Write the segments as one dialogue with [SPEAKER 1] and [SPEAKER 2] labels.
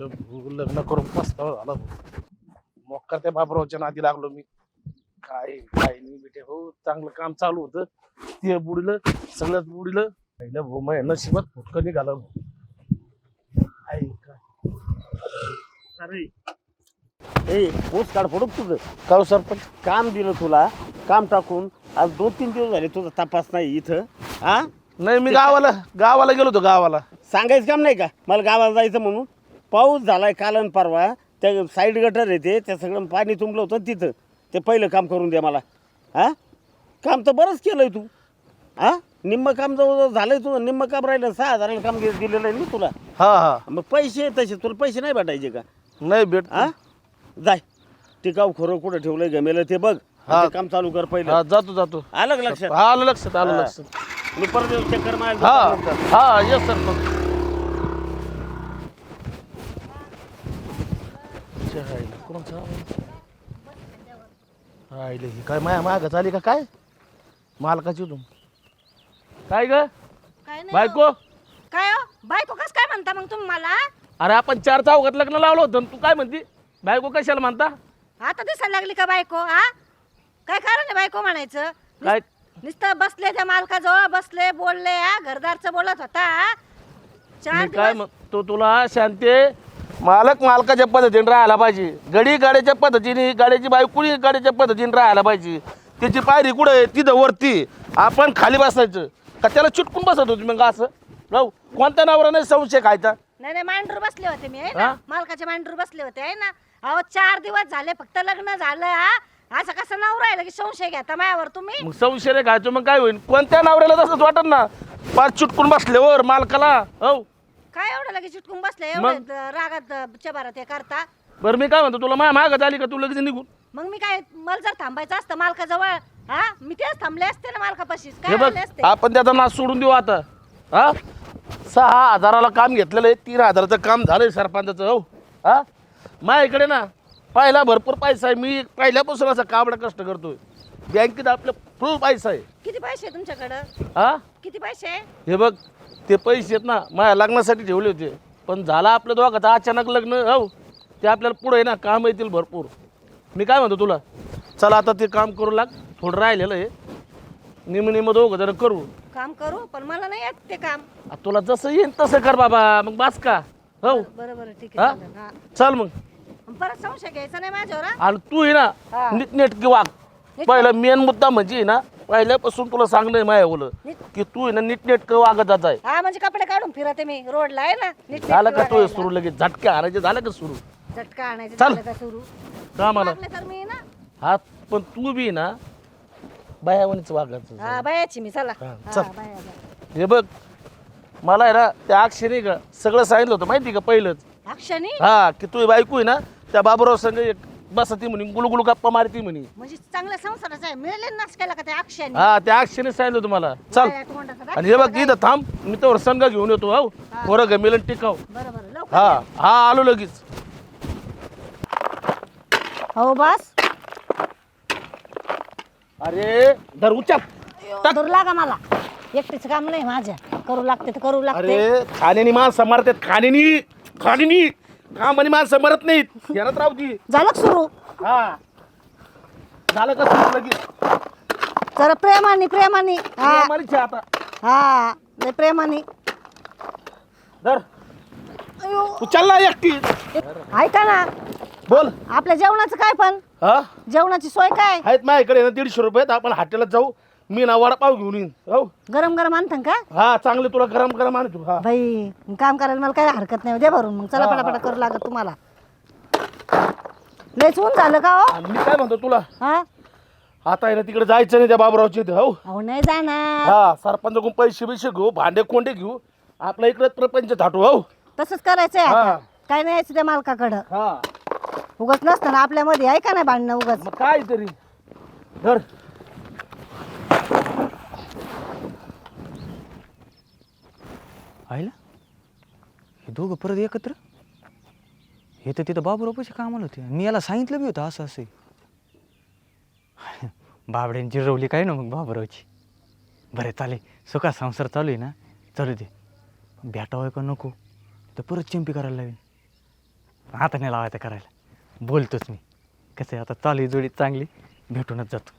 [SPEAKER 1] लग्न करून पस्तावा झाला मोक्का त्या बाबरावच्या नादी लागलो मी. काय काय नाही बेटे हो, चांगलं काम चालू होतं ते बुडलं, सगळंच बुडलं. पहिलं भाऊ माझ्या नशिबात फुटकं निघालं.
[SPEAKER 2] अरे ए पोस्ट कार्ड फोडू तुझं
[SPEAKER 1] काव सरपंच,
[SPEAKER 2] काम दिलं तुला, काम टाकून आज 2-3 दिवस झाले तुझा तपास नाही इथं. हा
[SPEAKER 1] नाही मी गावाला गेलो होतो गावाला.
[SPEAKER 2] सांगायचं काम नाही का मला गावाला जायचं म्हणून? पाऊस झालाय काल आणि परवा, त्या साईड गटर येते त्या सगळं पाणी तुंबलं होतं तिथं. ते पहिलं काम करून दे मला. हा काम तर बरंच केलंय तू. हा निम्म काम जवळ झालंय तुझं, निम्म काम राहिलं. 6,000 काम दिलेलं आहे मी तुला.
[SPEAKER 1] हा हा
[SPEAKER 2] मग पैसे तसे तुला पैसे नाही भेटायचे का?
[SPEAKER 1] नाही भेट.
[SPEAKER 2] हा जाय टिकाव खरं कुठं ठेवलंय गमेलं ते बघ.
[SPEAKER 1] हा.
[SPEAKER 2] ते काम चालू कर पहिलं.
[SPEAKER 1] हा जातो.
[SPEAKER 2] आलं का लक्षात?
[SPEAKER 1] आलं लक्षात
[SPEAKER 2] हा.
[SPEAKER 1] लक्षात.
[SPEAKER 2] मी परत चक्कर मारायला
[SPEAKER 1] हा
[SPEAKER 2] जातो.
[SPEAKER 1] हा येस सरपंच. काय माया माग झाली का काय मालकाची तुम काय ग
[SPEAKER 3] काय नाही
[SPEAKER 1] बायको?
[SPEAKER 3] हो. काय हो बायको कस काय म्हणता मग तुम्ही मला?
[SPEAKER 1] अरे आपण 4 चौघात लग्न लावलं होतं तू काय म्हणती बायको कशाला म्हणता?
[SPEAKER 3] आता दिसायला लागली का बायको? हा काय कारण आहे बायको म्हणायचं?
[SPEAKER 1] काय
[SPEAKER 3] नुसतं बसले त्या मालकाजवळ बसले बोलले, हा घरदारचं बोलत होता. हा? 4
[SPEAKER 1] मी काय
[SPEAKER 3] दिवस
[SPEAKER 1] म्हणतो तुला शांती, मालक मालकाच्या पद्धतीने राहायला पाहिजे. गडी गाड्याच्या पद्धतीने, गाड्याची बायको गाड्याच्या पद्धतीने राहायला पाहिजे. त्याची पायरी कुठं आहे तिथं वरती, आपण खाली बसायचं का त्याला चिटकून बसत होती मग असं राहू? कोणत्या नावाला नाही संशय खायचा?
[SPEAKER 3] नाही मांडूर बसले होते मी, आहे ना?
[SPEAKER 1] हा?
[SPEAKER 3] मालकाचे मांडूर बसले होते, आहे ना? अहो 4 दिवस झाले फक्त लग्न झालं. हा असं कसं नाव राहिलं की संशय घेता मायावर तुम्ही?
[SPEAKER 1] मग संशय रे खायचं मग काय होईल? कोणत्या नवऱ्याला तसंच वाटत ना पाच चिटकून बसल्यावर मालकाला. हो
[SPEAKER 3] काय एवढं लगेच चिटकून बसले,
[SPEAKER 1] मग?
[SPEAKER 3] एवढं रागात चबारात हे करता?
[SPEAKER 1] बरं मी काय म्हणतो तुला माझ्या मागत आली का तू लगेच निघून?
[SPEAKER 3] मग मी काय, मला जर थांबायचं असतं मालकाजवळ, हा मी तेच थांबले असते ना मालकापाशीच.
[SPEAKER 1] हे
[SPEAKER 3] काय
[SPEAKER 1] बघ
[SPEAKER 3] आले असते?
[SPEAKER 1] आपण त्याचा नाश सोडून देऊ आता. हा 6,000ला काम घेतलेलं आहे, 3,000चं काम झालंय सरपंचाचं. हो हा माझ्याकडे ना पहिला भरपूर पैसा आहे. मी पहिल्यापासून असा काबडा कष्ट करतोय. बँकेत आपलं फुल पैसा आहे.
[SPEAKER 3] किती पैसे आहे तुमच्याकडं?
[SPEAKER 1] हा
[SPEAKER 3] किती पैसे आहे?
[SPEAKER 1] हे बघ ते पैसे आहेत ना माझ्या लग्नासाठी ठेवले होते, पण झाला आपलं दोघाचं अचानक लग्न. हो ते आपल्याला पुढे आहे ना काम येतील भरपूर. मी काय म्हणतो तुला, चला आता ते काम करू लाग. थोडं राहिलेलं आहे, निम दोघं जरा करू.
[SPEAKER 3] काम करू पण मला नाही येत ते काम.
[SPEAKER 1] तुला जसं येईन तसं कर बाबा, मग बास का. हो
[SPEAKER 3] बरं ठीक
[SPEAKER 1] हा?
[SPEAKER 3] आहे, चालेल. हा.
[SPEAKER 1] चल मग.
[SPEAKER 3] परत संशय घ्यायचा नाही माझ्यावर. हा?
[SPEAKER 1] आणि तू आहे ना
[SPEAKER 3] हा.
[SPEAKER 1] नीटनेटकी वाग. पहिला मेन मुद्दा म्हणजे आहे ना, पहिल्यापासून तुला सांगणं माया बोल
[SPEAKER 3] नीट-
[SPEAKER 1] की तू आहे ना नीटनेटकं वागत जात आहे.
[SPEAKER 3] हा म्हणजे कपडे काढून फिरते मी रोडला, आहे ना? नीट
[SPEAKER 1] झालं का तू
[SPEAKER 3] वागायला.
[SPEAKER 1] सुरू लगेच झटके हाणायचे झालं का सुरू
[SPEAKER 3] झटका आणायचे
[SPEAKER 1] चल.
[SPEAKER 3] झालं का सुरू?
[SPEAKER 1] कामाला?
[SPEAKER 3] वागले तर मी ना.
[SPEAKER 1] हा पण तू बी ना बायावणीच वागायचं.
[SPEAKER 3] हा बायाची मी, चला.
[SPEAKER 1] हा,
[SPEAKER 3] हा,
[SPEAKER 1] चल.
[SPEAKER 3] बाया.
[SPEAKER 1] हे बघ मला आहे ना त्या अक्षरी का सगळं सांगितलं होतं माहिती का पहिलंच.
[SPEAKER 3] अक्षणी
[SPEAKER 1] हा की तू बायको आहे ना त्या बाबूराव संग एक बसती म्हणे, गुलगुलू गप्पा मारती म्हणे.
[SPEAKER 3] म्हणजे चांगल्या संसाराचा आहे, मिळाले नाश केला का त्या अक्षणी?
[SPEAKER 1] हा त्या अक्षरी सांगितलं होतं मला. चल
[SPEAKER 3] बाया तोंडाचा दाखला
[SPEAKER 1] आणि हे बघ
[SPEAKER 3] काय?
[SPEAKER 1] इथं थांब, मी तर संघ घेऊन येतो. हो
[SPEAKER 3] हा.
[SPEAKER 1] पोरं गमेल टिकाव.
[SPEAKER 3] बरं लवकर
[SPEAKER 1] हा
[SPEAKER 3] या.
[SPEAKER 1] हा आलो लगेच.
[SPEAKER 3] हो बस
[SPEAKER 1] अरे धर उचाप. टाक.
[SPEAKER 3] दूर लागा मला, एकटीच काम नाही माझ्या. करू लागते तर करू लागते.
[SPEAKER 1] अरे खाण्यानी माणसं मरतात, खाण्यानी काम आणि माणसं मरत नाहीत. ध्यानात राहू दे.
[SPEAKER 3] झालं का सुरू?
[SPEAKER 1] हा झालं का सुरू लगेच?
[SPEAKER 3] जरा प्रेमाने. हा
[SPEAKER 1] मारीचे आता
[SPEAKER 3] हा लय प्रेमाने.
[SPEAKER 1] धर
[SPEAKER 3] अयो,
[SPEAKER 1] उचल ना एकटी.
[SPEAKER 3] ऐका ना,
[SPEAKER 1] बोल.
[SPEAKER 3] आपल्या जेवणाचं काय पण?
[SPEAKER 1] हा
[SPEAKER 3] जेवणाची सोय काय?
[SPEAKER 1] आहेत माझ्याकडे ना 150 रुपये आहेत. आपण हॉटेलात जाऊ, मी ना वडापाव घेऊन येईन. हो
[SPEAKER 3] गरम गरम आणतं का?
[SPEAKER 1] हा चांगले तुला गरम गरम आणतो. हा
[SPEAKER 3] बाई काम करायला मला काही हरकत नाही, दे भरून. मग चला
[SPEAKER 1] हा,
[SPEAKER 3] पटापटा
[SPEAKER 1] हा.
[SPEAKER 3] करू लागत तुम्हाला. लयच ऊन झालं का हो?
[SPEAKER 1] आणि मी काय म्हणतो तुला,
[SPEAKER 3] हा
[SPEAKER 1] आता आहे ना तिकडे जायचं नाही त्या बाबरावच्या इथे. हो
[SPEAKER 3] अहो नाही जाणार.
[SPEAKER 1] हा सरपंचाकडून पैसे बिशे घेऊ, भांडे कोंडे घेऊ, आपल्या इकडे प्रपंच थाटू. हो
[SPEAKER 3] तसंच करायचंय
[SPEAKER 1] हा.
[SPEAKER 3] आता. काय नाही यायचं त्या मालकाकडं.
[SPEAKER 1] हा
[SPEAKER 3] उगाच नसतं ना आपल्यामध्ये, आहे का नाही भांडणं उगाच?
[SPEAKER 1] मग काय तरी धर.
[SPEAKER 4] आईला हे दोघं परत एकत्र. हे तर तिथं बाबूराव पैसे कामाला होते. मी याला सांगितलं बी होतं असं असं. बाबड्यांची रवली काय ना मग बाबूरावची. बरं चालेल, सुखा संसार चालू आहे ना, चालू दे. भेटावं का नको तर परत चिंपी करायला लागेल. आता नाही लावायचं करायला, बोलतोच मी. कसं आहे आता चालू आहे जोडी चांगली, भेटूनच जातो.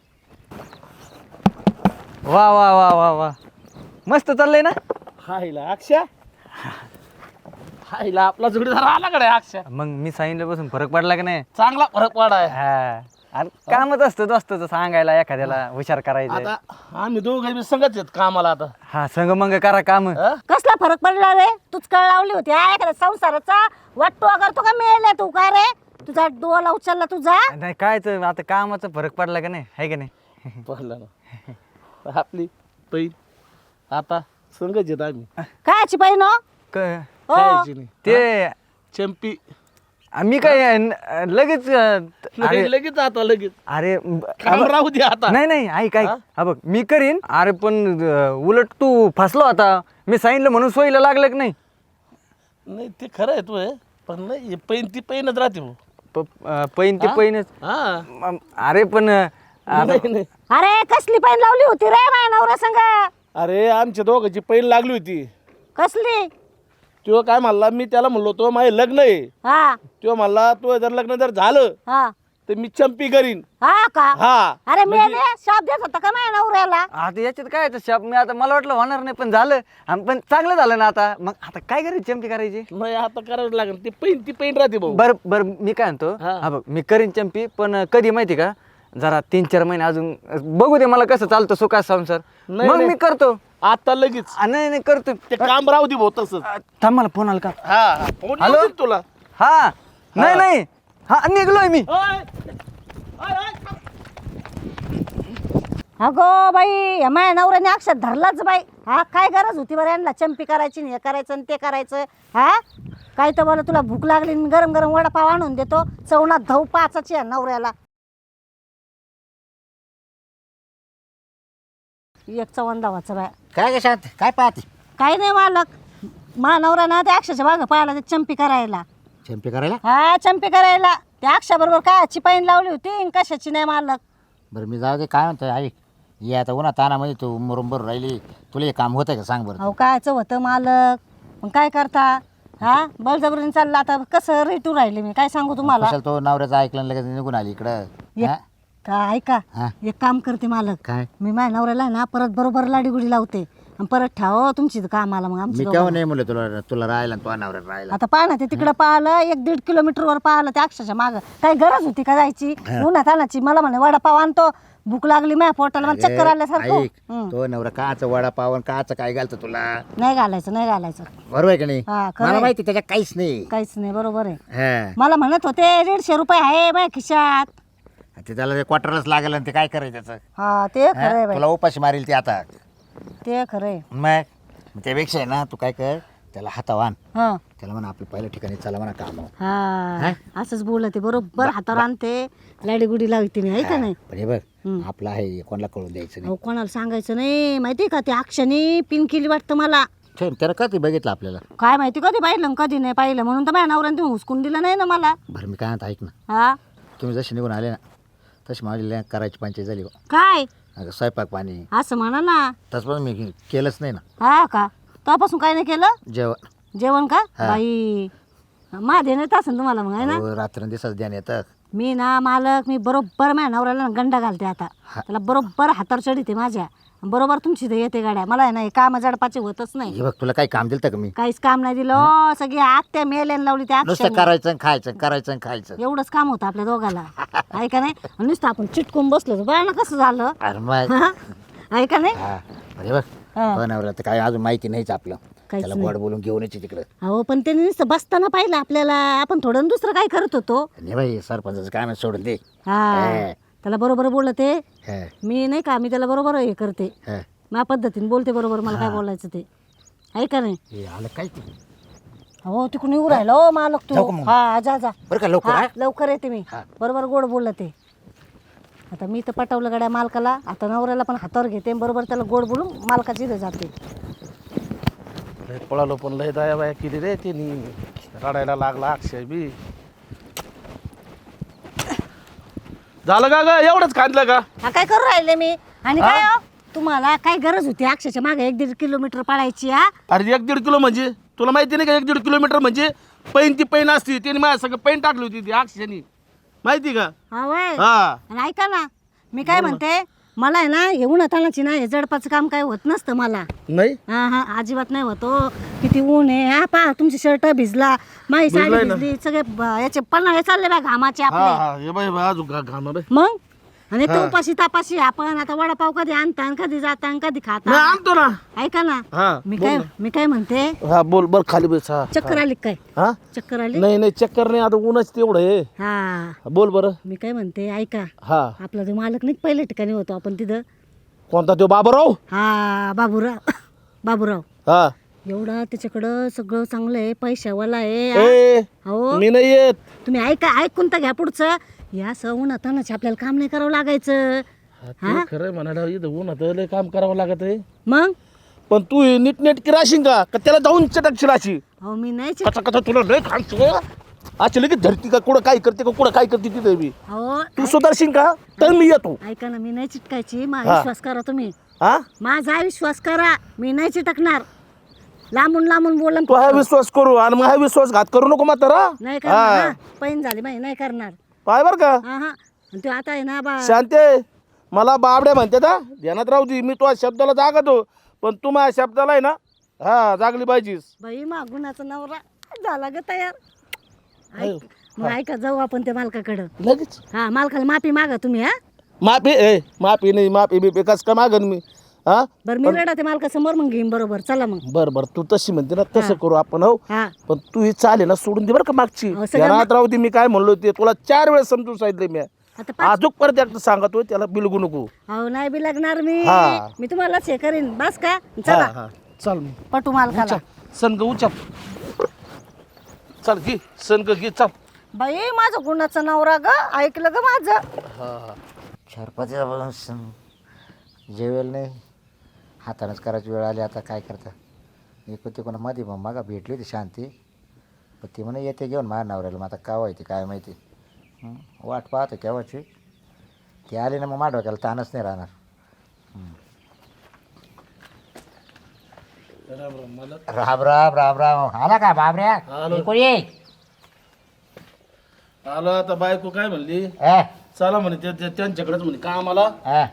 [SPEAKER 4] वा वा वा वा वा, मस्त चाललंय ना.
[SPEAKER 1] हायला अक्षा, हायला आपला जोडीदार आला कडे अक्षा.
[SPEAKER 4] मग मी सांगितल्यापासून फरक पडला की नाही.
[SPEAKER 1] चांगला फरक पडाय.
[SPEAKER 4] हा, आणि कामच असतं दोस्ताचं सांगायला, एखाद्याला हुशार करायचं.
[SPEAKER 1] आता आम्ही दोघं बी संगत आहेत कामाला आता.
[SPEAKER 4] हा, संग मंग करा काम.
[SPEAKER 1] हा?
[SPEAKER 3] कसला फरक पडला रे? तूच कळ लावली होती एखाद्या संसाराचा वाटतो करतो का मेले तू का रे? तुझा डोला उचलला तुझा.
[SPEAKER 4] नाही कायच आता कामाचा फरक पडला का नाही, आहे का नाही.
[SPEAKER 1] पाहिलं ना आपली पैन आता संगत येत आम्ही.
[SPEAKER 3] कायची बहीण हो? हो.
[SPEAKER 1] खायची नाही.
[SPEAKER 4] ते
[SPEAKER 1] चंपी
[SPEAKER 4] मी काय लगेच
[SPEAKER 1] लगेच आता लगेच
[SPEAKER 4] अरे
[SPEAKER 1] काम राहू दे आता.
[SPEAKER 4] नाही नाही ऐक ऐक,
[SPEAKER 1] हा?
[SPEAKER 4] हा बघ मी करीन. अरे पण उलट तू फसलो आता. मी सांगितलं म्हणून सोयीला लागलं की नाही.
[SPEAKER 1] नाही ते खरं आहे तू हे, पण नाही पैन ती पैनच राहते भाऊ.
[SPEAKER 4] पैन ते
[SPEAKER 1] हा?
[SPEAKER 4] पैनच.
[SPEAKER 1] हा
[SPEAKER 4] अरे पण
[SPEAKER 1] नाही, नाही.
[SPEAKER 3] अरे कसली बहीण लावली होती रे माझ्या नवऱ्या संग?
[SPEAKER 1] अरे आमच्या दोघांची पैन लागली होती.
[SPEAKER 3] कसली?
[SPEAKER 1] तो काय म्हणला, मी त्याला म्हणलो तो माझे लग्न आहे.
[SPEAKER 3] हा
[SPEAKER 1] तो म्हणला तो जर लग्न जर झालं
[SPEAKER 3] हा
[SPEAKER 1] तर मी चंपी करीन.
[SPEAKER 3] हा का?
[SPEAKER 1] हा
[SPEAKER 3] अरे मी
[SPEAKER 1] म्हणजे-
[SPEAKER 3] शाप देत होता का माझ्या नवऱ्याला?
[SPEAKER 4] आता याच्यात काय आहे शाप. मी आता मला वाटलं होणार नाही, पण झालं. पण चांगलं झालं ना आता. मग आता काय करायची, चंपी करायची.
[SPEAKER 1] नाही आता करावं लागेल. ती पैन राहते भाऊ.
[SPEAKER 4] बरं बरं मी काय म्हणतो,
[SPEAKER 1] हा.
[SPEAKER 4] हा बघ मी करीन चंपी, पण कधी माहिती का, जरा 3-4 महिने अजून बघू दे मला कसं चालतं सुखात संसार.
[SPEAKER 1] नाही,
[SPEAKER 4] मग
[SPEAKER 1] नाही.
[SPEAKER 4] मी करतो.
[SPEAKER 1] आता लगेच
[SPEAKER 4] नाही नाही करतो.
[SPEAKER 1] ते काम राहू दे भाऊ तसंच.
[SPEAKER 4] थांब, मला फोन आला का.
[SPEAKER 1] हा फोन
[SPEAKER 4] हॅलो?
[SPEAKER 1] येऊ दे तुला.
[SPEAKER 4] हा नाही नाही, हा निघलोय मी.
[SPEAKER 3] अगो बाई या माझ्या नवऱ्याने अक्षर धरलाच बाई. हा काय गरज होती बरं यांना चंपी करायची आणि हे करायचं आणि ते करायचं. हा काय तर बोला तुला भूक लागली आणि गरम गरम वडापाव आणून देतो. चवणात धाव पाचाची या नवऱ्याला. एक चवण धावाचं बाय.
[SPEAKER 2] काय ग शांत, काय पाहते?
[SPEAKER 3] काही नाही मालक, मा नवरा ना त्या अक्षरच्या मागं पाहिला ते चंपी करायला.
[SPEAKER 2] चंपी करायला?
[SPEAKER 3] हा चंपी करायला त्या अक्षाबरोबर कायची पाईन लावली होती आणि कशाची नाही मालक.
[SPEAKER 2] बरं मी जाऊ दे, काय म्हणतो ऐक, ये आता उन्हा तानामध्ये तू मुरुंबर राहिली, तुला हे काम होतंय का सांग बरं.
[SPEAKER 3] अहो कायचं होतं मालक, मग काय करता. हा बळजबरीने चाललं आता कसं रेटू राहिले मी काय सांगू तुम्हाला.
[SPEAKER 2] कशाला तो नवऱ्याचं ऐकलं लगेच निघून आली इकडं.
[SPEAKER 3] एक
[SPEAKER 2] हा?
[SPEAKER 3] का ऐका,
[SPEAKER 2] हा.
[SPEAKER 3] एक काम करते मालक,
[SPEAKER 2] काय?
[SPEAKER 3] मी माझ्या नवऱ्याला ना परत बरोबर लाडीगुडी लावते आणि परत ठाव तुमची कामाला. मग
[SPEAKER 2] मी
[SPEAKER 3] आमची
[SPEAKER 2] केव्हा
[SPEAKER 3] दोघांना.
[SPEAKER 2] नाही म्हणलं तुला, तुला राहायला आणि तो नवऱ्याला राहायला.
[SPEAKER 3] आता पाहा ना ते तिकडं पाहिलं 1-1.5 किलोमीटरवर पाहिलं त्या अक्षरच्या मागं. काही गरज होती का जायची उन्हात आणायची. मला म्हणे वडापाव आणतो, भूक लागली माझ्या पोटाला, मला चक्कर आल्यासारखं.
[SPEAKER 2] ऐक, तो नवरा काच वडापाव आणि काच काय घालतो तुला,
[SPEAKER 3] नाही घालायचं नाही घालायचं.
[SPEAKER 2] बरोबर आहे का नाही?
[SPEAKER 3] हा, खरं
[SPEAKER 2] मला
[SPEAKER 3] आहे.
[SPEAKER 2] माहिती त्याच्यात काहीच नाही.
[SPEAKER 3] काहीच नाही, बरोबर आहे.
[SPEAKER 2] हा.
[SPEAKER 3] मला म्हणत होते 150 रुपये आहे माझ्या खिशात.
[SPEAKER 2] ते त्याला ते क्वार्टरच लागेल आणि ते काय करायचं त्याचं?
[SPEAKER 3] हा ते खरं आहे
[SPEAKER 2] हा?
[SPEAKER 3] बाई,
[SPEAKER 2] तुला उपाशी मारेल ते आता.
[SPEAKER 3] ते खरं आहे.
[SPEAKER 2] मग त्यापेक्षा आहे ना, तू काय कर, त्याला हातावर आण,
[SPEAKER 3] हा
[SPEAKER 2] त्याला म्हणा आपल्या पहिल्या ठिकाणी चला म्हणा काम.
[SPEAKER 3] हा असंच बोलते बरोबर. हातावर आणते, लाडीगुडी लावते मी, आहे का नाही.
[SPEAKER 2] पण हे बघ, आपलं आहे कोणाला कळून द्यायचं नाही.
[SPEAKER 3] अहो कोणाला सांगायचं नाही माहिती का. ते अक्षाने पिन केली वाटतं मला.
[SPEAKER 2] ठेव, त्याला कधी बघितलं आपल्याला.
[SPEAKER 3] काय माहिती कधी पाहिलं कधी नाही पाहिलं, म्हणून तर माझ्या नवऱ्याने तुम्ही हुसकून दिलं नाही ना मला.
[SPEAKER 2] बरं मी काय म्हणतो ऐक ना,
[SPEAKER 3] हा
[SPEAKER 2] तुम्ही जशी निघून आले ना तशी माझी करायची पंचायत झाली बा.
[SPEAKER 3] काय
[SPEAKER 2] अगं स्वयंपाक पाणी
[SPEAKER 3] असं म्हणा ना.
[SPEAKER 2] तसं पण मी केलंच नाही ना.
[SPEAKER 3] हा का, तेव्हापासून काय नाही केलं
[SPEAKER 2] जेवण.
[SPEAKER 3] जेवण का.
[SPEAKER 2] हा.
[SPEAKER 3] बाई माझे नाही असेल तुम्हाला मग, आहे ना.
[SPEAKER 2] रात्र दिवसाच ध्यान येतं.
[SPEAKER 3] मी ना मालक, मी बरोबर माझ्या नवऱ्याला ना गंडा घालते आता. त्याला बरोबर हातावर चढीते माझ्या, बरोबर तुमची ते येते गाड्या. मला आहे ना काम जडपाचे होतच नाही.
[SPEAKER 2] हे बघ, तुला काही काम दिलं का मी?
[SPEAKER 3] काहीच काम नाही दिलं. सगळी आत्या मेल्याने लावली त्या
[SPEAKER 2] नुसतं
[SPEAKER 3] अक्षराने.
[SPEAKER 2] करायचं आणि खायचं, करायचं आणि खायचं.
[SPEAKER 3] एवढंच काम होतं आपल्या दोघाला, आहे का नाही. आणि नुसतं आपण चिटकून बसलो तर बघा ना कसं झालं.
[SPEAKER 2] अरे मग
[SPEAKER 3] आहे का नाही.
[SPEAKER 2] हा, अरे बघ,
[SPEAKER 3] हा.
[SPEAKER 2] बनवलं तर काय अजून माहिती नाहीच आपलं.
[SPEAKER 3] काहीच
[SPEAKER 2] त्याला
[SPEAKER 3] नाही.
[SPEAKER 2] गोड बोलून घेऊन यायची तिकडं.
[SPEAKER 3] अहो पण त्याने नुसतं बसताना पाहिलं आपल्याला, आपण थोडं दुसरं काय करत होतो.
[SPEAKER 2] नाही बाई, सरपंचाचं काय म्हणत सोडून दे.
[SPEAKER 3] हा त्याला बरोबर बोलते
[SPEAKER 2] हा,
[SPEAKER 3] मी, नाही का. मी त्याला बरोबर हे करते,
[SPEAKER 2] हा.
[SPEAKER 3] माझ्या पद्धतीने बोलते बरोबर. मला काय बोलायचं ते, आहे का नाही.
[SPEAKER 2] हे आलं काय तू?
[SPEAKER 3] हो तिकडून येऊ राहिलो हो मालक
[SPEAKER 2] जाऊ
[SPEAKER 3] तू.
[SPEAKER 2] का मग?
[SPEAKER 3] हा जा जा.
[SPEAKER 2] बरं का लवकर.
[SPEAKER 3] हा,
[SPEAKER 2] हा?
[SPEAKER 3] लवकर येते मी.
[SPEAKER 2] हा.
[SPEAKER 3] बरोबर गोड बोललं ते. आता मी तर पटवलं गड्या मालकाला. आता नवऱ्याला पण हातावर घेते, बरोबर त्याला गोड बोलून मालकाची इथं जाते.
[SPEAKER 1] लय पळालो पण लय दया बाया केली रे तिने. रडायला लागला अक्षय बी. झालं का ग, एवढंच खांदलं का.
[SPEAKER 3] हा काय करू राहिले मी. आणि काय हो, तुम्हाला काय गरज होती अक्षरशः मागे 1-1.5 किलोमीटर पळायची. हा
[SPEAKER 1] अरे 1-1.5 किलो म्हणजे तुला माहिती नाही का 1-1.5 किलोमीटर म्हणजे पैन ती पैन असती तिने माझ्या सगळं पैन टाकली होती ती अक्षरशनी माहिती का
[SPEAKER 3] हा वय
[SPEAKER 1] हा
[SPEAKER 3] आणि ऐका ना मी काय म्हणते मला आहे ना येऊन हातानाची ना हे जडपाचं काम काय होत नसतं मला
[SPEAKER 1] नाही
[SPEAKER 3] हा हा अजिबात नाही होतो किती ऊन आहे हा पहा तुमची शर्ट भिजला माझी साडी
[SPEAKER 1] भिजलाय ना.
[SPEAKER 3] भिजली सगळे याचे पन्हाळे चालले बा घामाचे
[SPEAKER 1] हा
[SPEAKER 3] आपले
[SPEAKER 1] हा हे बाई अजून घालणार आहे.
[SPEAKER 3] मग आणि तो उपाशी तापाशी आपण आता वडापाव कधी आणता आणि कधी जाता आणि कधी खाता
[SPEAKER 1] नाही आणतो ना
[SPEAKER 3] ऐका ना
[SPEAKER 1] हा
[SPEAKER 3] मी काय म्हणते
[SPEAKER 1] हा बोल बर खाली बस हा
[SPEAKER 3] चक्कर आली काय
[SPEAKER 1] हा
[SPEAKER 3] चक्कर आली
[SPEAKER 1] नाही नाही चक्कर नाही आता ऊनच तेवढं आहे
[SPEAKER 3] हा
[SPEAKER 1] बोल बरं
[SPEAKER 3] मी काय म्हणते ऐका
[SPEAKER 1] हा
[SPEAKER 3] आपला जो मालक नाही पहिल्या ठिकाणी होतो आपण तिथं
[SPEAKER 1] कोणता तो बाबाराव
[SPEAKER 3] हा बाबूराव
[SPEAKER 1] हा
[SPEAKER 3] एवढा त्याच्याकडं सगळं चांगलं आहे पैशावाला आहे
[SPEAKER 1] ए
[SPEAKER 3] हो
[SPEAKER 1] मी नाही येत
[SPEAKER 3] तुम्ही ऐकून तर घ्या पुढचं या सवून आता आपल्याला काम नाही करावं लागायचं
[SPEAKER 1] ते खरंय म्हणायला इथं उन्हात लय काम करावं लागत आहे
[SPEAKER 3] मग
[SPEAKER 1] पण तू नीटनेटकी राशील का त्याला जाऊन चटकशी राशी
[SPEAKER 3] अहो मी नाही
[SPEAKER 1] कसा कसा तुला लय खांच अच्छा लगेच धरती का कुठं काय करते का कुठं काय करते तिथे मी
[SPEAKER 3] अहो
[SPEAKER 1] तू सुधारशील का तर मी येतो
[SPEAKER 3] ऐका ना मी नाही चिटकायची माझा विश्वास करा तुम्ही
[SPEAKER 1] हा
[SPEAKER 3] माझा विश्वास करा मी नाही चिटकणार लांबून बोलून
[SPEAKER 1] तू हा विश्वास करू आणि मग हा विश्वासघात करू नको म्हातारा
[SPEAKER 3] नाही करणार हा. पैन झाली माही नाही करणार
[SPEAKER 1] पाय बर का
[SPEAKER 3] हा हा आणि तो आता आहे ना
[SPEAKER 1] शांते मला बाबड्या म्हणते ना ध्यानात राहू दे मी तुझ्या शब्दाला जागतो पण तू माझ्या शब्दाला आहे ना हा जागली पाहिजेस
[SPEAKER 3] बाई मागुनाचा नवरा झाला ग तयार मग ऐका जाऊ आपण त्या मालकाकडं
[SPEAKER 1] लगेच
[SPEAKER 3] हा मालकाला माफी मागा तुम्ही हा
[SPEAKER 1] माफी नाही माफी बिफी कस का मागन मी हा
[SPEAKER 3] बरं मी रडा ते मालकासमोर मग घेईन बरोबर चला मग
[SPEAKER 1] बर बर तू तशी म्हणते ना तसं करू आपण हो
[SPEAKER 3] हा
[SPEAKER 1] पण तू ही चालेल ना सोडून दे बरं का मागची
[SPEAKER 3] अहो, सगळं
[SPEAKER 1] ध्यानात राहू दे मी काय म्हणलो ते तुला 4 वेळेस समजून सांगितलं मी
[SPEAKER 3] आता
[SPEAKER 1] अजून परत एकदा सांगतोय त्याला बिलगू नको
[SPEAKER 3] अहो नाही बी लागणार मी
[SPEAKER 1] हा.
[SPEAKER 3] मी तुम्हालाच हे करीन बस का
[SPEAKER 1] हा
[SPEAKER 3] चला
[SPEAKER 1] हा चल मग
[SPEAKER 3] पटू मालकाला
[SPEAKER 1] सनग उचप चल घे सनग घे चल
[SPEAKER 3] बाई माझं गुणाचा नवरा ग ऐकलं ग माझं
[SPEAKER 1] हा
[SPEAKER 5] 4-5 जेवेल नाही हातानंच करायची वेळ आली आता काय करता एक होती कोणा मध्ये मग मागा भेटली होती शांती पण ती म्हणे येते घेऊन माझ्या नवऱ्याला मग आता का व्हायची काय माहिती वाट पाहतो केव्हाची ती आली ना मग माझ्या डोक्याला ताणच नाही राहणार राम राम राम राम आला का बाबऱ्या
[SPEAKER 1] आलो.
[SPEAKER 5] कोणी ये
[SPEAKER 1] आलो आता बायको काय म्हणली
[SPEAKER 5] ए,
[SPEAKER 1] चला म्हणे त्यांच्याकडेच म्हणे कामाला
[SPEAKER 5] ए,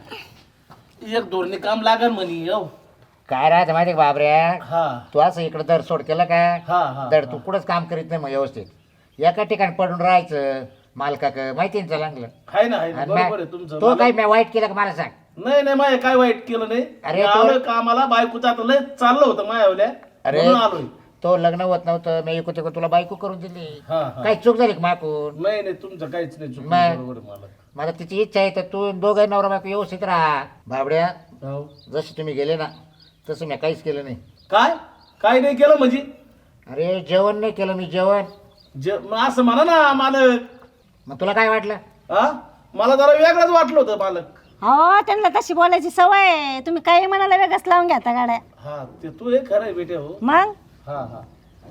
[SPEAKER 1] 1-2 काम लागल म्हणे हो
[SPEAKER 5] काय राहतं माहिती का बाबऱ्या
[SPEAKER 1] हा
[SPEAKER 5] तू असं इकडं दर सोड केलं का
[SPEAKER 1] हा हा
[SPEAKER 5] दर तू कुठंच काम करीत नाही मग व्यवस्थित एका ठिकाणी पडून राहायचं मालकाक माहिती ना चांगलं
[SPEAKER 1] आहे ना आहे ना
[SPEAKER 5] आणि
[SPEAKER 1] बरोबर आहे
[SPEAKER 5] मग
[SPEAKER 1] तुमचं
[SPEAKER 5] तो काही मी वाईट केलं का मला सांग
[SPEAKER 1] नाही नाही माय काय वाईट केलं नाही
[SPEAKER 5] अरे
[SPEAKER 1] मी
[SPEAKER 5] तो-
[SPEAKER 1] आलोय कामाला बायकोचं आता लय चाललं होतं मायावल्या
[SPEAKER 5] अरे.
[SPEAKER 1] म्हणून आलोय
[SPEAKER 5] तो लग्न होत नव्हतं मी इकडे तिकडे तुला बायको करून दिली
[SPEAKER 1] हा हा
[SPEAKER 5] काही चूक झाली का माकून
[SPEAKER 1] नाही नाही तुमचं काहीच नाही चुकलं
[SPEAKER 5] मग?
[SPEAKER 1] बरोबर आहे मला
[SPEAKER 5] मला तिची इच्छा आहे तर तू दोघं नवरा बायको व्यवस्थित राहा बाबड्या
[SPEAKER 1] हो.
[SPEAKER 5] जसे तुम्ही गेले ना तसं मी काहीच केलं नाही
[SPEAKER 1] काय काय नाही केलं म्हणजे
[SPEAKER 5] अरे जेवण नाही केलं मी जेवण
[SPEAKER 1] मग असं म्हणा ना मालक
[SPEAKER 5] मग तुला काय वाटलं
[SPEAKER 1] हा मला जरा वेगळंच वाटलं होतं मालक
[SPEAKER 3] हो त्यांना तशी बोलायची सवय आहे. तुम्ही काही म्हणाला वेगळंच लावून घेता गाड्या
[SPEAKER 1] हा ते तू हे खरं आहे बेटे हो
[SPEAKER 3] मग
[SPEAKER 1] हा हा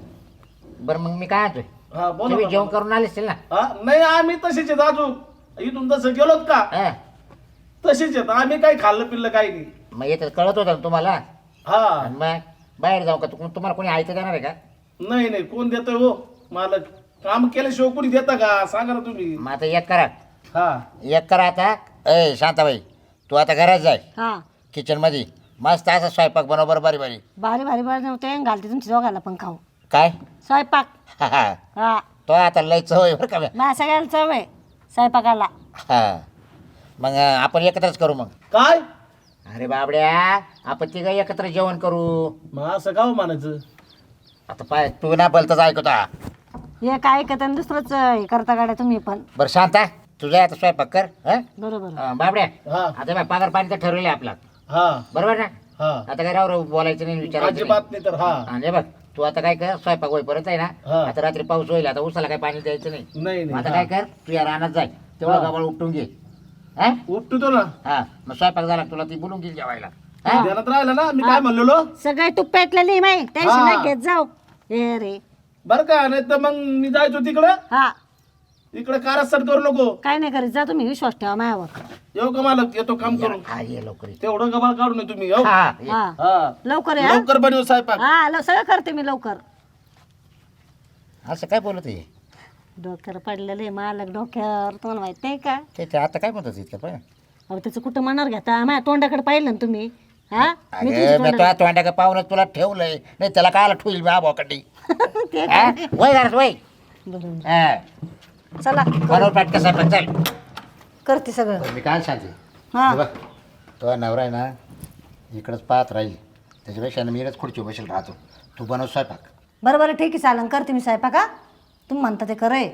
[SPEAKER 5] बरं मग मी काय आणतोय
[SPEAKER 1] हा बोला
[SPEAKER 5] तुम्ही
[SPEAKER 1] ना.
[SPEAKER 5] जेवण करून आले असतील ना
[SPEAKER 1] हा नाही आम्ही तसेच आहेत अजून इथून तसं गेलोत का
[SPEAKER 5] हा.
[SPEAKER 1] तसेच आहेत आम्ही काही खाल्लं पिल्लं काही नाही
[SPEAKER 5] मग येतं कळत होतं ना तुम्हाला
[SPEAKER 1] हा
[SPEAKER 5] आणि मग बाहेर जाऊ का तुम्हाला कोणी ऐकत जाणार आहे का
[SPEAKER 1] नाही नाही कोण देतोय हो मालक काम केल्याशिवाय कोणी देता का सांगा ना तुम्ही
[SPEAKER 5] मग आता एक करा
[SPEAKER 1] हा
[SPEAKER 5] एक करा आता ए शांताबाई तू आता घरात जाय
[SPEAKER 3] हा
[SPEAKER 5] किचनमध्ये मस्त असा स्वयंपाक बनव बरं बारी बारी
[SPEAKER 3] भारी भारी बनवते घालते तुमच्या दोघांना पण खाऊ
[SPEAKER 5] काय
[SPEAKER 3] स्वयंपाक हा
[SPEAKER 5] तो आता लय चव आहे बरं का बे.
[SPEAKER 3] माझ्या सगळ्याला चव आहे स्वयंपाकाला
[SPEAKER 5] हा मग आपण एकत्रच करू मग
[SPEAKER 1] काय
[SPEAKER 5] अरे बाबड्या आपण तिघं एकत्र जेवण करू
[SPEAKER 1] मग असं गाव म्हणायचं
[SPEAKER 5] आता पाय तू ना बोलताच ऐकता
[SPEAKER 3] हे काय ऐकत आणि दुसरंच हे करता गाड्या तुम्ही पण
[SPEAKER 5] बरं शांता तुझा आता स्वयंपाक कर हं?
[SPEAKER 3] बरोबर
[SPEAKER 5] बाबड्या
[SPEAKER 1] हा
[SPEAKER 5] आता बाय पगार पाणी तर ठरवलं आपला
[SPEAKER 1] हा
[SPEAKER 5] बरोबर ना
[SPEAKER 1] हा
[SPEAKER 5] आता काय राव बोलायचं नाही विचारायचं नाही.
[SPEAKER 1] अजिबात नाही तर हा
[SPEAKER 5] आणि बघ तू आता काय कर स्वयंपाक होईपर्यंत आहे ना
[SPEAKER 1] हा.
[SPEAKER 5] आता रात्री पाऊस होईल आता उसाला काय पाणी द्यायचं नाही
[SPEAKER 1] नाही
[SPEAKER 5] मग
[SPEAKER 1] नाही
[SPEAKER 5] आता
[SPEAKER 1] हा.
[SPEAKER 5] काय कर तू या रानात जाय तेवढं
[SPEAKER 1] हा.
[SPEAKER 5] गबाळ उपटून घे हा
[SPEAKER 1] उपटतो ना
[SPEAKER 5] हा मग स्वयंपाक झाला की तुला ती बोलून घेईल जेवायला हा?
[SPEAKER 1] ध्यानात राहिलं ना मी काय म्हणलेलो
[SPEAKER 3] सगळे तुप्प्यातलेली माही टेन्शन
[SPEAKER 1] हा.
[SPEAKER 3] नाही घेत जाऊ हे रे
[SPEAKER 1] बरं का नाही तर मग मी जायचो तिकडं
[SPEAKER 3] हा
[SPEAKER 1] इकडे कारस्थान करू नको
[SPEAKER 3] काय नाही करीत जा तुम्ही विश्वास ठेवा माझ्यावर
[SPEAKER 1] येऊ का मालक येतो काम करून
[SPEAKER 5] हा ये लवकर ये.
[SPEAKER 1] तेवढं गबाळ काढू नये तुम्ही येऊ
[SPEAKER 5] हा ये.
[SPEAKER 3] हा
[SPEAKER 1] हा
[SPEAKER 3] लवकर या
[SPEAKER 1] लवकर बनव स्वयंपाक
[SPEAKER 3] हा सगळं करते मी लवकर
[SPEAKER 5] असं काय बोलत आहे
[SPEAKER 3] डोक्यावर पडलेलं आहे मालक डोक्यावर, तुम्हाला माहित नाही का?
[SPEAKER 5] ते आता काय म्हणतात इतकं पण
[SPEAKER 3] अहो त्याचं कुठं मनावर घेता, माझ्या तोंडाकडे पाहिलं ना तुम्ही? हा मी
[SPEAKER 5] अरे मी तुला तोंडा का पाहूनच तुला ठेवलंय, नाही त्याला काय ठेवईल मी आबोकडे वय घरात वय
[SPEAKER 3] बरोबर. चला
[SPEAKER 5] बरोबर पाठ कसा पण चल.
[SPEAKER 3] करते सगळं.
[SPEAKER 5] मी काय सांगते
[SPEAKER 3] हा.
[SPEAKER 5] हे बघ, तो नवरा आहे ना इकडंच पाहत राहील, त्याच्यापेक्षा ना मी इकडेच खुर्ची बसेल राहतो, तू बनव स्वयंपाक.
[SPEAKER 3] बरं बरं ठीक आहे चालन, करते मी स्वयंपाक. का तुम्ही म्हणता ते करे.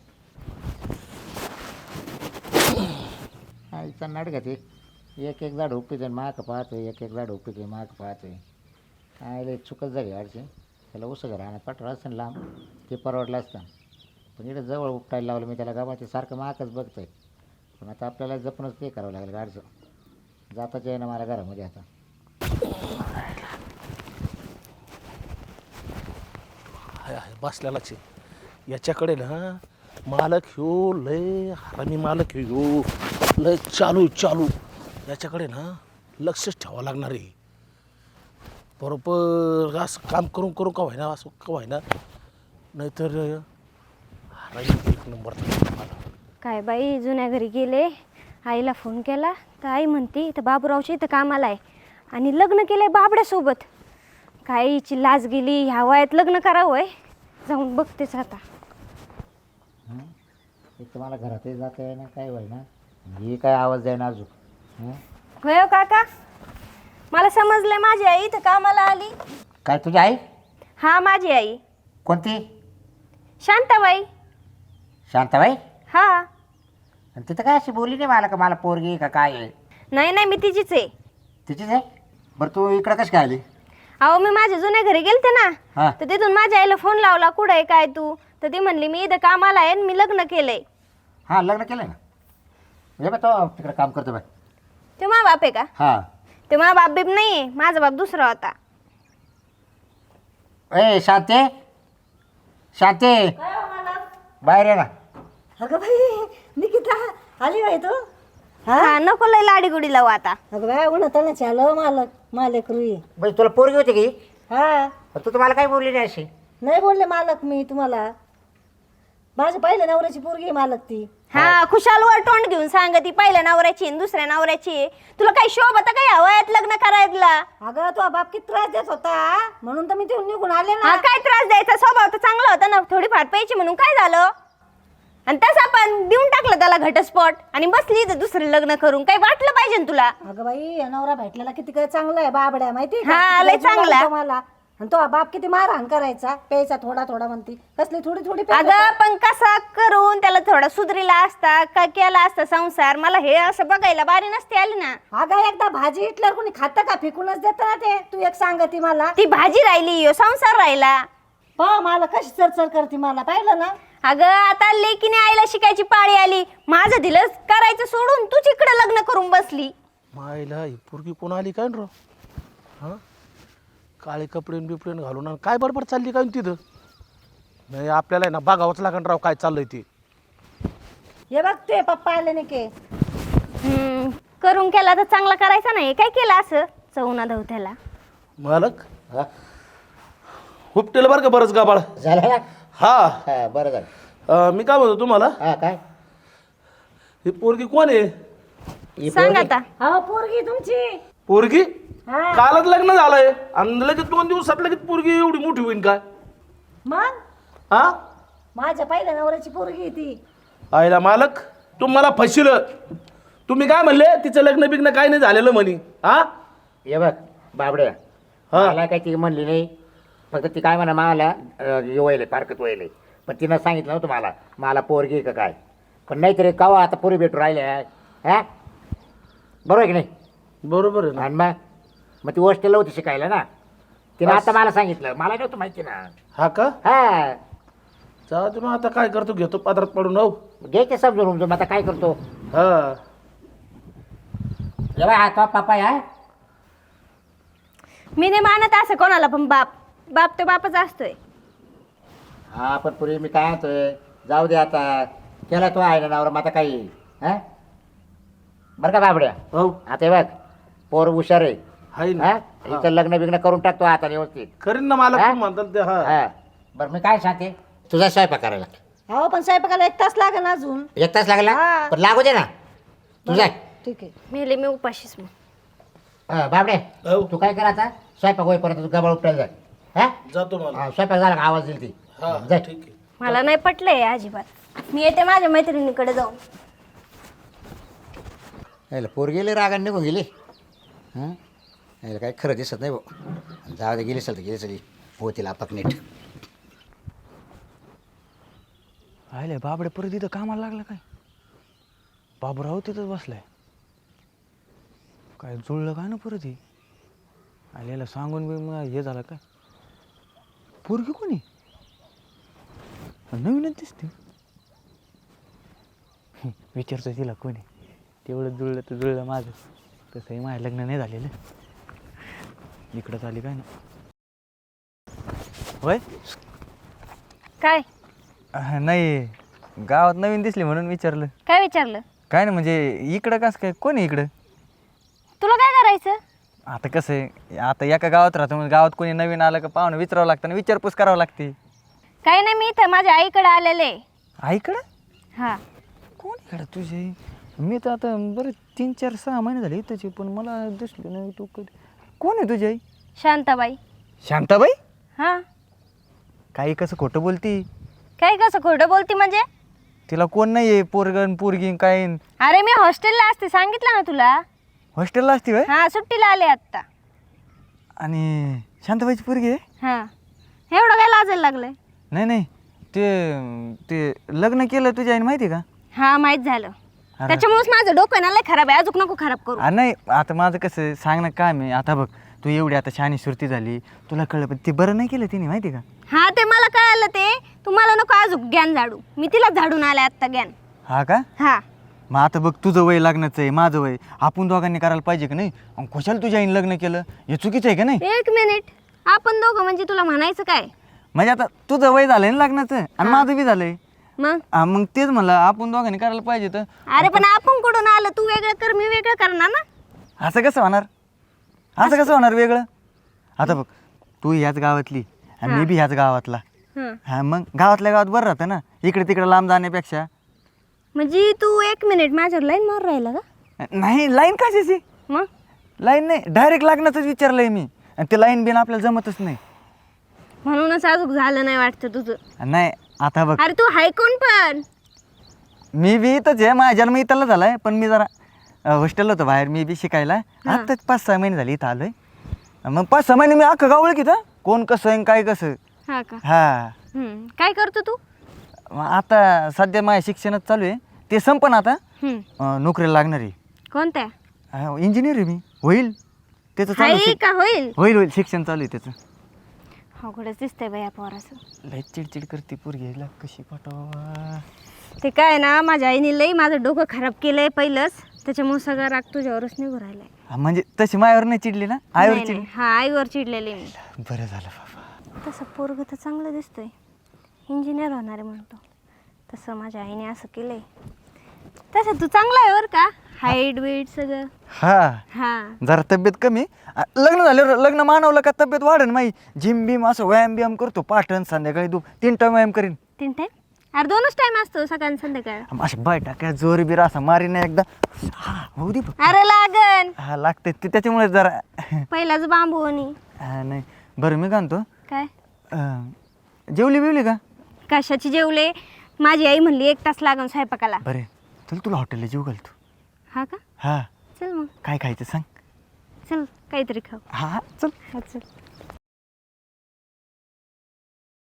[SPEAKER 5] आईचा नाटक ते एक एक झाड उपीते माग पाहतोय, एक एक झाड उपीते माग पाहतोय. आईला चुकत झाली अडचण, त्याला उसं राहणार पाठवलं असतं ना लांब, ते परवडलं असतं. पण इकडे जवळ उपटायला लावलं मी त्याला, गावाचे सारखं मागच बघतोय. पण आता आपल्याला जपूनच ते करावं लागेल गाडचं, जाताच आहे ना मला घरामध्ये आता.
[SPEAKER 1] बसल्यालाच आहे याच्याकडे ना, मालक ह्यो लय हरामी मालक ह्यो लय चालू याच्याकडे ना लक्षच ठेवावं लागणार आहे. बरोबर असं काम करून करून का व्हायना, असं का व्हायना, नाहीतर हरामी एक नंबर.
[SPEAKER 6] काय बाई, जुन्या घरी गेले, आईला फोन केला तर आई म्हणते तर बाबूरावच्या इथं कामाला आहे आणि लग्न केलं आहे बाबड्यासोबत. काय हिची लाज गेली, ह्या वयात लग्न करावं आहे. जाऊन बघतेच आता.
[SPEAKER 5] एक तर मला घरातही जाता आहे ना, काय व्हायना, ही काय आवाज द्यायना अजून.
[SPEAKER 6] होय हो काका, मला समजलंय माझी आई इथं कामाला आली.
[SPEAKER 5] काय तुझी आई?
[SPEAKER 6] हा माझी आई.
[SPEAKER 5] कोणती?
[SPEAKER 6] शांताबाई.
[SPEAKER 5] शांताबाई?
[SPEAKER 6] हा.
[SPEAKER 5] आणि तिथं काय अशी बोलली नाही मला, का मला पोरगी आहे का काय आहे?
[SPEAKER 6] नाही नाही, मी तिचीच आहे.
[SPEAKER 5] तिचीच आहे? बरं तू इकडं कशी काय आली?
[SPEAKER 6] अहो मी माझ्या जुन्या घरी गेलते ना,
[SPEAKER 5] हां.
[SPEAKER 6] तर तिथून माझ्या आईला फोन लावला, कुठं आहे काय तू? तर ती म्हणली मी इथं कामाला आहे आणि मी लग्न केलंय.
[SPEAKER 5] हां लग्न केलं ना, हे बघ तो तिकडं काम करतो बाय.
[SPEAKER 6] ते मा बाप आहे का?
[SPEAKER 5] हां.
[SPEAKER 6] ते मा बाप बीप नाही आहे, माझा बाप दुसरा होता.
[SPEAKER 5] ए शांते, शांते बाहेर ये ना.
[SPEAKER 3] अगं बाई निकिता आली बाई तू?
[SPEAKER 6] हा नको लय लाडी गुडी लावू आता.
[SPEAKER 3] अगं बाय उन्हातानाच आलं मालक रुई.
[SPEAKER 5] बाई तुला पोरगी होती की?
[SPEAKER 3] हा
[SPEAKER 5] तू तुम्हाला काही बोलली नाही अशी?
[SPEAKER 3] नाही बोलले मालक मी तुम्हाला, माझ्या पहिल्या नवऱ्याची पोरगी आहे मालक ती.
[SPEAKER 6] हा खुशाल वर तोंड घेऊन सांग ती पहिल्या नवऱ्याची आणि दुसऱ्या नवऱ्याची. तुला काही शोभ होता काही हवयात लग्न करायला?
[SPEAKER 3] अगं तो बाप किती त्रास देत होता म्हणून तर मी तिथून निघून आले
[SPEAKER 6] हा
[SPEAKER 3] ना.
[SPEAKER 6] काय त्रास द्यायचा, स्वभाव तर चांगला होता ना, थोडीफार प्यायची म्हणून काय झालं? आणि तसं पण देऊन टाकलं त्याला घटस्फोट आणि बसली इथं दुसरं लग्न करून. काही वाटलं पाहिजे ना तुला?
[SPEAKER 3] अगं बाई या नवरा भेटलेला किती काय चांगला आहे, बाबड्या माहिती आहे का?
[SPEAKER 6] हा,
[SPEAKER 3] किती
[SPEAKER 6] लय
[SPEAKER 3] जीव
[SPEAKER 6] चांगला.
[SPEAKER 3] लावतो मला. आणि तो बाप किती मारहाण करायचा, प्यायचा थोडा थोडा म्हणती, कसली थोडी थोडी प्यायचा.
[SPEAKER 6] अगं पण कसा करून त्याला थोडा सुधरीला असता का केला असता संसार, मला हे असं बघायला बारी नसते आली ना.
[SPEAKER 3] अगं एकदा भाजी इटल्यावर कोणी खातं का, फेकूनच देतं ना ते. तू एक सांगती मला,
[SPEAKER 6] ती भाजी राहिली यो संसार राहिला.
[SPEAKER 3] पहा मला कशी चरचर करते, मला पाहिलं ना.
[SPEAKER 6] अगं आता लेकीने आईला शिकायची पाळी आली, माझं दिलं करायचं सोडून तू इकडे लग्न करून बसली.
[SPEAKER 1] मायला ही पोरगी कोण आली काय रो? हां काळे कपडे बिपडेन घालून आणि काय बरोबर चालली काय तिथं? नाही आपल्याला आहे ना बघावंच लागण राव काय चाललंय ते.
[SPEAKER 3] हे बघ ते पप्पा आले नाही के.
[SPEAKER 6] करून केला तर चांगला करायचा नाही, काय केलं असं चौना धवत्याला?
[SPEAKER 1] मालक
[SPEAKER 5] हा?
[SPEAKER 1] हुपटेलं बरं का बरंच गाबाळ.
[SPEAKER 5] झालं ना?
[SPEAKER 1] हा
[SPEAKER 5] हा बरं झालं.
[SPEAKER 1] मी काय म्हणतो तुम्हाला,
[SPEAKER 5] हा काय?
[SPEAKER 1] ही पोरगी कोण आहे?
[SPEAKER 5] ही
[SPEAKER 6] सांग
[SPEAKER 5] पोरगी?
[SPEAKER 6] आता.
[SPEAKER 3] हा पोरगी तुमची.
[SPEAKER 1] पोरगी
[SPEAKER 3] हा
[SPEAKER 1] कालच लग्न झालंय आणि लगेच 2 दिवसात लगेच पोरगी एवढी मोठी होईन काय?
[SPEAKER 3] मग
[SPEAKER 1] हा
[SPEAKER 3] माझ्या पहिल्या नवऱ्याची पोरगी आहे ती.
[SPEAKER 1] आईला मालक तुम्हाला फसिलं. तुम्ही काय म्हणले तिचं लग्न बिग्न काय नाही झालेलं म्हणी? हा
[SPEAKER 5] हे बघ बाबड्या,
[SPEAKER 1] हा.
[SPEAKER 5] मला काही ती म्हणली नाही, फक्त ती काय म्हणा मला वयले पारकत वयले, पण तिनं सांगितलं नव्हतं मला पोरगी आहे का काय. पण नाहीतरी कावा आता पोरी भेटू राहिल्या. हा बरोबर आहे की नाही?
[SPEAKER 1] बरोबर आहे ना.
[SPEAKER 5] आणि मग ती हॉस्टेलला होती शिकायला ना, तिनं आता मला सांगितलं, मला नव्हतं माहिती ना.
[SPEAKER 1] हा का?
[SPEAKER 5] हा
[SPEAKER 1] जा तुम्ही आता काय करतो, घेतो पात्रात पडून. हो
[SPEAKER 5] घ्यायचे समजून उमजून, आता काय करतो.
[SPEAKER 1] हा
[SPEAKER 5] जेव्हा हा तो पापा आहे.
[SPEAKER 6] मी नाही मानत असं कोणाला, पण बाप तो बापच असतोय.
[SPEAKER 5] हा पण पुरी मी काय म्हणतोय, जाऊ दे आता, केला तो आहे ना नवरा, मग आता काही हा बरं का बाबड्या.
[SPEAKER 1] हो
[SPEAKER 5] आता हे बघ पोर हुशार आहे.
[SPEAKER 1] हाय ना.
[SPEAKER 5] हा हिचं लग्न बिग्न करून टाकतो आता व्यवस्थित.
[SPEAKER 1] करीन ना मालक
[SPEAKER 5] हा?
[SPEAKER 1] तुम्ही म्हणताल ते. हा
[SPEAKER 5] हा बरं मी काय सांगते, तुझा स्वयंपाक करायला
[SPEAKER 3] हो पण स्वयंपाकाला 1 तास लागेल अजून.
[SPEAKER 5] 1 तास लागला
[SPEAKER 3] हा.
[SPEAKER 5] पण लागू दे ना तुझा.
[SPEAKER 3] ठीक आहे.
[SPEAKER 6] मेले मी उपाशीच मग.
[SPEAKER 5] बाबडे
[SPEAKER 1] हो.
[SPEAKER 5] तू काय कर आता स्वयंपाक होईपर्यंत तू गबाळ उपटायला जाय. हा
[SPEAKER 1] जातो मला.
[SPEAKER 5] स्वयंपाक झाला का आवाज दिली ती
[SPEAKER 1] हा
[SPEAKER 5] जाय.
[SPEAKER 1] ठीक आहे.
[SPEAKER 6] मला नाही पटलंय अजिबात. मी येते माझ्या मैत्रिणीकडे जाऊन.
[SPEAKER 5] यायला पोर गेले रागाने निघून गेली. हां यायला काय खरं दिसत नाही भाऊ. जाऊ दे गेली असेल तर गेली सगळी होतील आपक नीट.
[SPEAKER 4] आले बाबडे परत इथं कामाला लागला काय? बाबूराव तिथंच बसलाय. काय जुळलं काय ना परत हे आलेला सांगून बी मग हे झालं काय? पोरगी कोणी नवीनच दिसते. विचारतो तिला कोणी. तेवढं जुळलं तर जुळलं माझं. तसंही माझं लग्न नाही झालेलं. इकडंच आली काय ना होय.
[SPEAKER 6] काय
[SPEAKER 4] नाही गावात नवीन दिसली म्हणून विचारलं.
[SPEAKER 6] काय विचारलं?
[SPEAKER 4] काय ना म्हणजे इकडं कसं काय कोण आहे इकडं?
[SPEAKER 6] तुला काय करायचं?
[SPEAKER 4] आता कसं आहे आता एका गावात राहतो म्हणजे गावात कोणी नवीन आलं का पाहुणं विचारावं लागतं आणि विचारपूस करावं लागते.
[SPEAKER 6] काही नाही, मी इथं माझ्या आईकडे आलेले.
[SPEAKER 4] आईकडं?
[SPEAKER 6] हा.
[SPEAKER 4] कोण इकडं तुझे? मी तर आता बरं 3, 4, 6 महिने झाले इथंच पण मला दिसली नाही तू कधी. कोण आहे तुझी आई?
[SPEAKER 6] शांताबाई.
[SPEAKER 4] शांताबाई?
[SPEAKER 6] हा.
[SPEAKER 4] काही कसं खोटं बोलती?
[SPEAKER 6] काय कसं खोटं बोलती म्हणजे?
[SPEAKER 4] तिला कोण नाही आहे पोरगण पोरगी काय?
[SPEAKER 6] अरे मी हॉस्टेलला असते, सांगितलं ना तुला.
[SPEAKER 4] हॉस्टेलला असती होय?
[SPEAKER 6] हा, सुट्टीला आले आत्ता.
[SPEAKER 4] आणि शांताबाईची पोरगी आहे?
[SPEAKER 6] हा. एवढं काय लाजायला लागलंय?
[SPEAKER 4] नाही ते लग्न केलं तुझ्या आईने माहिती आहे का?
[SPEAKER 6] हा, माहित झालं.
[SPEAKER 4] अरे.
[SPEAKER 6] त्याच्यामुळेच माझं डोकं ना लय खराब आहे. अजून नको खराब करू.
[SPEAKER 4] नाही आता माझं कसं सांग ना काय मी आता बघ तू एवढी आता शहाणी सुरती झाली तुला कळलं पण ते बरं नाही केलं तिने माहिती आहे का?
[SPEAKER 6] हा, ते मला कळालं. ते तुम्हाला नको अजून ज्ञान झाडू. मी तिला झाडून आले आत्ता ज्ञान.
[SPEAKER 4] हा का?
[SPEAKER 6] हा.
[SPEAKER 4] मग आता बघ तुझं वय लग्नाचं आहे माझं वय आपण दोघांनी करायला पाहिजे का नाही? आणि कशाला तुझ्या आईने लग्न केलं हे चुकीचं आहे का नाही?
[SPEAKER 6] 1 मिनिट. आपण दोघं म्हणजे तुला म्हणायचं काय?
[SPEAKER 4] म्हणजे आता तुझं वय झालंय ना लग्नाचं आणि माझं बी झालंय.
[SPEAKER 6] मग
[SPEAKER 4] मग तेच म्हणलं आपण दोघांनी करायला पाहिजे तर.
[SPEAKER 6] अरे पण आपण कुठून आलं? तू वेगळं कर, मी वेगळं करणार ना.
[SPEAKER 4] असं कसं होणार? असं कसं होणार वेगळं? आता बघ तू ह्याच गावातली आणि मी बी ह्याच गावातला.
[SPEAKER 6] हं.
[SPEAKER 4] हा मग गावातल्या गावात बरं राहतं ना इकडे तिकडे लांब जाण्यापेक्षा.
[SPEAKER 6] म्हणजे तू 1 मिनिट माझ्यावर लाईन मारून राहिला का?
[SPEAKER 4] नाही लाईन कशाची?
[SPEAKER 6] मग
[SPEAKER 4] लाईन नाही डायरेक्ट लग्नाचंच विचारलंय मी आणि ते लाईन बिन आपल्याला जमतच नाही.
[SPEAKER 6] म्हणूनच अजून झालं नाही वाटतं तुझं.
[SPEAKER 4] नाही आता बघ
[SPEAKER 6] अरे तू हाय कोण पण?
[SPEAKER 4] मी बी इथंच आहे माझा जन्म इथला झालाय पण मी जरा हॉस्टेलला होतो बाहेर मी बी शिकायला. आत्ताच 5-6 महिने झाले इथं आलोय. मग 5-6 महिने मी अख्खं गाव ओळखीत कोण कसं आहे काय कसं.
[SPEAKER 6] हा का?
[SPEAKER 4] हा
[SPEAKER 6] काय करतो तू?
[SPEAKER 4] मग आता सध्या माझ्या शिक्षणच चालू आहे ते संपन आता नोकरीला लागणार आहे.
[SPEAKER 6] कोणत्या?
[SPEAKER 4] इंजिनियर आहे मी. होईल त्याचं चालू
[SPEAKER 6] हाय का होईल?
[SPEAKER 4] होईल शिक्षण चालू आहे त्याचं.
[SPEAKER 6] अवघडच दिसतंय बाई या पोराचं.
[SPEAKER 4] लय चिडचिड करते पोरगी कशी पाठवा.
[SPEAKER 6] ते काय ना माझ्या आईने लई माझं डोकं खराब केलंय पहिलंच. त्याच्यामुळे सगळा राग तुझ्यावरच निघून राहिलाय.
[SPEAKER 4] म्हणजे तशी मायावर नाही चिडली ना आईवर
[SPEAKER 6] नाही,
[SPEAKER 4] चिडली.
[SPEAKER 6] नाही. हा, आईवर चिडलेली मी.
[SPEAKER 4] बरं झालं बाबा.
[SPEAKER 6] तसं पोरग तर चांगलं दिसतोय. इंजिनियर होणार आहे म्हणतो. तसं माझ्या आईने असं केलंय. तसं तू चांगला आहे बरं का. हाईट बीट सगळं.
[SPEAKER 4] हा
[SPEAKER 6] हा.
[SPEAKER 4] जरा तब्येत कमी लग्न झाल्यावर लग्न मानवलं का तब्येत वाढेल माही. जिम बिम असं व्यायाम करतो पाठण संध्याकाळी 3 टाइम व्यायाम करीन.
[SPEAKER 6] 3 टाइम? अरे 2च टाइम असतो सकाळ आणि संध्याकाळ.
[SPEAKER 4] अशा बाय टाक्या जोर बिर असा मारी ना एकदा. हा होऊ दे बघ.
[SPEAKER 6] अरे लागन.
[SPEAKER 4] हा लागते ते त्याच्यामुळे जरा
[SPEAKER 6] पहिलाच बांबू आणि
[SPEAKER 4] हा नाही बरं मी म्हणतो
[SPEAKER 6] काय
[SPEAKER 4] जेवली बिवली का?
[SPEAKER 6] कशाची जेवले? माझी आई म्हणली 1 तास लागन स्वयंपाकाला.
[SPEAKER 4] बरे चल तुला हॉटेलला जेव घालतो.
[SPEAKER 6] हा का?
[SPEAKER 4] हा
[SPEAKER 6] चल मग.
[SPEAKER 4] काय खायचं सांग.
[SPEAKER 6] चल काहीतरी खाऊ.
[SPEAKER 4] हा चल.
[SPEAKER 6] हा चल.